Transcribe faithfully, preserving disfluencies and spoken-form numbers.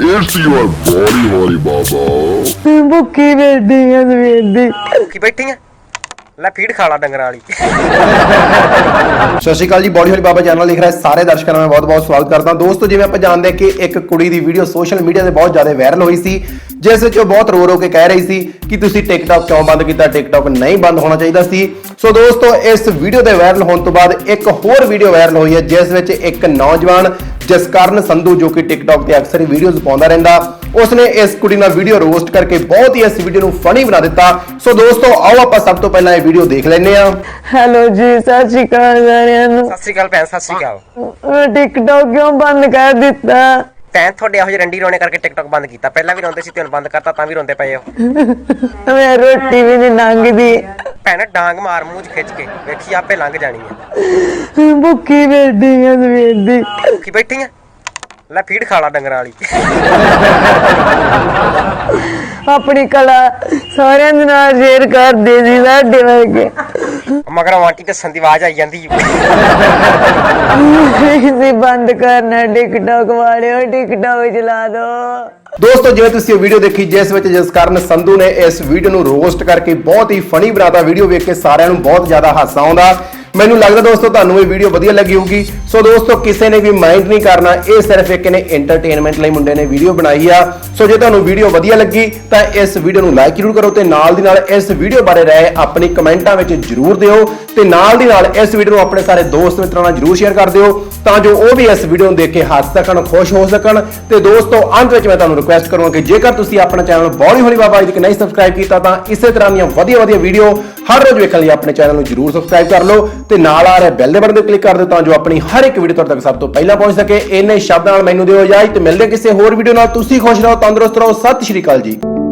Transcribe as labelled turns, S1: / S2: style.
S1: It's your body, holy baba.
S2: ਭੁੱਖੀ ਬੈਠੀ ਆ ਸਵੇਰ ਦੀ।
S3: ਭੁੱਖੀ ਬੈਠੀ ਆ? ਲੈ ਫੀਡ ਖਾ ਲਾ ਡੰਗਰਾਂ ਵਾਲੀ।
S4: ਸਤਿ ਸ਼੍ਰੀ ਅਕਾਲ ਜੀ, ਬॉडी होली बाबा चैनल लिख रहा है सारे दर्शकों में बहुत बहुत स्वागत करता हूं। दोस्तों जिवें आपां जानदे कि एक कुड़ी दी वीडियो सोशल मीडिया ते बहुत ज़्यादा वायरल हुई सी, जिस विच बहुत रो रो के कह रही सी कि तुसीं टिकटॉक क्यों बंद कीता, टिकटॉक नहीं बंद होना चाहिए सी। सो दोस्तों इस वीडियो के वायरल होने तो बाद एक होर वीडियो वायरल हुई है, जिस विच एक नौजवान जसकरण संधू जो कि टिकटॉक ते अक्सर ही वीडियोज़ पाउंदा रहिंदा, उसने इस कुड़ी नाल वीडियो रोस्ट करके बहुत ही इस वीडियो नूं फनी बना दिता। सो दोस्तों आओ आपां सब तो पहला ये वीडियो देख लैंदे आ।
S2: हेलो जी, सत श्री अकाल सारिਆਂ ਨੂੰ।
S3: ਸਤਿ ਸ੍ਰੀ ਅਕਾਲ ਭੈਣ, ਸਤਿ ਸ੍ਰੀ ਅਕਾਲ।
S2: ਟਿਕਟੌਕ ਕਿਉਂ ਬੰਦ ਕਰ ਦਿੱਤਾ?
S3: ਭੈਣ ਤੁਹਾਡੇ ਇਹੋ ਜਿਹੇ ਰੰਡੀ ਰੋਣੇ ਕਰਕੇ ਟਿਕਟੌਕ ਬੰਦ ਕੀਤਾ। ਪਹਿਲਾਂ ਵੀ ਰੋਂਦੇ ਸੀ ਤੇ ਹੁਣ ਬੰਦ ਕਰਤਾ ਤਾਂ ਵੀ ਰੋਂਦੇ ਪਏ ਹੋ।
S2: ਮੈਂ ਰੋਟੀ ਵੀ ਨਹੀਂ ਲੰਘਦੀ।
S3: ਭੈਣ ਡਾਂਗ ਮਾਰ ਮੂੰਹ 'ਚ ਖਿੱਚ ਕੇ ਵੇਖੀ ਆਪੇ ਲੰਘ ਜਾਣੀ ਹੈ।
S2: ਭੁੱਖੀ ਬੈਠੀ ਆ ਸਵੇਰ ਦੀ।
S3: ਭੁੱਖੀ ਬੈਠੀ ਆ? ਲੈ ਫੀਡ ਖਾ ਲਾ ਡੰਗਰਾਂ ਵਾਲੀ।
S2: ਆਪਣੀ ਕਲਾ ਸਾਰਿਆਂ ਦੇ ਨਾਲ ਸ਼ੇਅਰ ਕਰਦੇ ਸੀ ਸਾਡੇ ਵਰਗੇ।
S3: ਮਗਰ ਆਂਟੀ ਦੱਸਣ ਦੀ ਆਵਾਜ਼ ਆਈ ਜਾਂਦੀ।
S2: ਇਸੇ ਬੰਦ ਕਰਨਾ ਟਿਕਟੌਕ ਵਾਲਿਓ, ਟਿਕਟੌਕ ਚਲਾ ਦੋ।
S4: दोस्तों जिवें तुसीं वीडियो देखी जिस विच जसकरण संधू ने इस वीडियो नूं रोस्ट करके बहुत ही फनी बनाता। वीडियो वेख के सारिਆਂ ਨੂੰ बहुत ज़्यादा हासा आउंदा। ਮੈਨੂੰ ਲੱਗਦਾ ਦੋਸਤੋ ਤੁਹਾਨੂੰ ਇਹ ਵੀਡੀਓ ਵਧੀਆ ਲੱਗੀ ਹੋਊਗੀ। ਸੋ ਦੋਸਤੋ ਕਿਸੇ ਨੇ ਵੀ ਮਾਈਂਡ ਨਹੀਂ ਕਰਨਾ, ਇਹ ਸਿਰਫ ਇੱਕ ਨੇ ਐਂਟਰਟੇਨਮੈਂਟ ਲਈ ਮੁੰਡੇ ਨੇ ਵੀਡੀਓ ਬਣਾਈ ਆ। ਸੋ ਜੇ ਤੁਹਾਨੂੰ ਵੀਡੀਓ ਵਧੀਆ ਲੱਗੀ ਤਾਂ ਇਸ ਵੀਡੀਓ ਨੂੰ ਲਾਈਕ ਜ਼ਰੂਰ ਕਰੋ ਤੇ ਨਾਲ ਦੀ ਨਾਲ ਇਸ ਵੀਡੀਓ ਬਾਰੇ ਰਾਏ ਆਪਣੀ ਕਮੈਂਟਾਂ ਵਿੱਚ ਜ਼ਰੂਰ ਦਿਓ ਤੇ ਨਾਲ ਦੀ ਨਾਲ ਇਸ ਵੀਡੀਓ ਨੂੰ ਆਪਣੇ ਸਾਰੇ ਦੋਸਤ ਮਿੱਤਰਾਂ ਨਾਲ ਜ਼ਰੂਰ ਸ਼ੇਅਰ ਕਰ ਦਿਓ ਤਾਂ ਜੋ ਉਹ ਵੀ ਇਸ ਵੀਡੀਓ ਨੂੰ ਦੇਖ ਕੇ ਹੱਸ ਸਕਣ, ਖੁਸ਼ ਹੋ ਸਕਣ। ਤੇ ਦੋਸਤੋ ਅੰਤ ਵਿੱਚ ਮੈਂ ਤੁਹਾਨੂੰ ਰਿਕੁਐਸਟ ਕਰੂੰਗਾ ਕਿ ਜੇਕਰ ਤੁਸੀਂ ਆਪਣਾ ਚੈਨਲ ਬॉडी होली बाबा ਅਜੇ ਤੱਕ ਨਹੀਂ ਸਬਸਕ੍ਰਾਈਬ ਕੀਤਾ ਤਾਂ ਇਸੇ ਤਰ੍ਹਾਂ ਦੀਆਂ ਵਧੀਆ ਵਧੀਆ ਵੀਡੀਓ ਹਰ ਰੋਜ਼ ਵੇਖਣ ਲਈ ਆਪਣੇ ਚੈਨਲ ਨੂੰ ਜ਼ਰੂਰ ਸਬਸਕ੍ਰਾਈਬ ਕਰ ਲਓ ਤੇ ਨਾਲ ਆ ਰਿਹਾ ਬੈਲ ਦੇ ਬਟਨ ਤੇ ਕਲਿੱਕ ਕਰ ਦਿਓ ਤਾਂ ਜੋ ਆਪਣੀ ਹਰ ਇੱਕ ਵੀਡੀਓ ਤੁਹਾਡੇ ਤੱਕ ਸਭ ਤੋਂ ਪਹਿਲਾਂ ਪਹੁੰਚ ਸਕੇ। ਇੰਨੇ ਸ਼ਬਦਾਂ ਨਾਲ ਮੈਨੂੰ ਦਿਓ ਇਜਾਜ਼ਤ, ਮਿਲਦੇ ਕਿਸੇ ਹੋਰ ਵੀਡੀਓ ਨਾਲ। ਤੁਸੀਂ ਖੁਸ਼ ਰਹੋ, ਤੰਦਰੁਸਤ ਰਹੋ। ਸਤਿ ਸ਼੍ਰੀ ਅਕਾਲ ਜੀ।